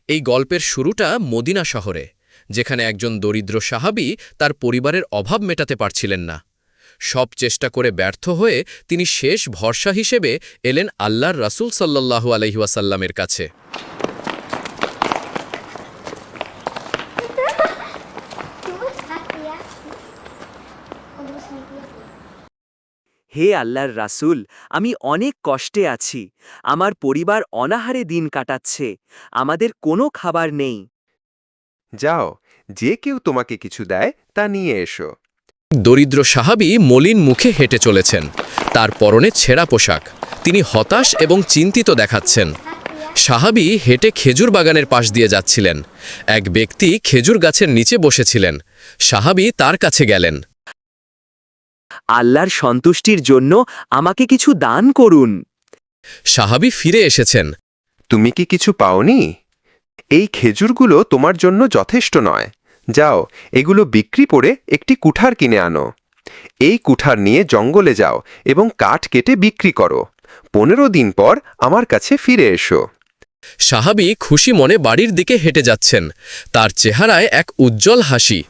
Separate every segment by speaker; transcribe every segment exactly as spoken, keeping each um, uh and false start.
Speaker 1: এই গল্পের শুরুটা মদিনা শহরে, যেখানে একজন দরিদ্র সাহাবী তার পরিবারের অভাব মেটাতে পারছিলেন না। সব চেষ্টা করে ব্যর্থ হয়ে তিনি শেষ ভরসা হিসেবে এলেন আল্লাহর রাসূল সাল্লাল্লাহু আলাইহি ওয়াসাল্লামের কাছে।
Speaker 2: হে আল্লাহর রাসূল, আমি অনেক কষ্টে আছি। আমার পরিবার অনাহারে দিন কাটাচ্ছে। আমাদের কোনো খাবার নেই।
Speaker 3: যাও, যে কেউ তোমাকে কিছু দেয় তা নিয়ে এসো।
Speaker 1: দরিদ্র সাহাবী মলিন মুখে হেঁটে চলেছেন, তার পরনে ছেঁড়া পোশাক। তিনি হতাশ এবং চিন্তিত দেখাচ্ছেন। সাহাবী হেঁটে খেজুর বাগানের পাশ দিয়ে যাচ্ছিলেন। এক ব্যক্তি খেজুর গাছের নিচে বসেছিলেন। সাহাবী তার কাছে গেলেন।
Speaker 2: আল্লাহর সন্তুষ্টির জন্য আমাকে কিছু দান করুন।
Speaker 1: সাহাবী ফিরে এসেছেন।
Speaker 3: তুমি কি কিছু পাওনি? এই খেজুরগুলো তোমার জন্য যথেষ্ট নয়। যাও, এগুলো বিক্রি করে একটি কুঠার কিনে আনো। এই কুঠার নিয়ে জঙ্গলে যাও এবং কাঠ কেটে বিক্রি করো। পনেরো দিন পর আমার কাছে ফিরে এসো।
Speaker 1: সাহাবী খুশি মনে বাড়ির দিকে হেঁটে যাচ্ছেন। তার চেহারায় এক উজ্জ্বল হাসি।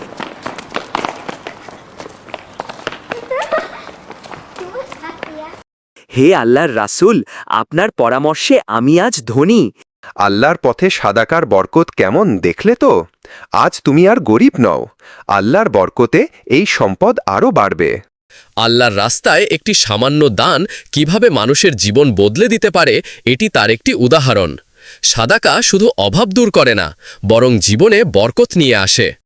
Speaker 2: হে আল্লাহর রাসূল, আপনার পরামর্শে আমি আজ ধনী।
Speaker 3: আল্লাহর পথে সাদাকার বরকত কেমন দেখলে তো? আজ তুমি আর গরিব নও। আল্লাহর বরকতে এই সম্পদ আরও বাড়বে।
Speaker 1: আল্লাহর রাস্তায় একটি সামান্য দান কিভাবে মানুষের জীবন বদলে দিতে পারে, এটি তার একটি উদাহরণ। সাদাকা শুধু অভাব দূর করে না, বরং জীবনে বরকত নিয়ে আসে।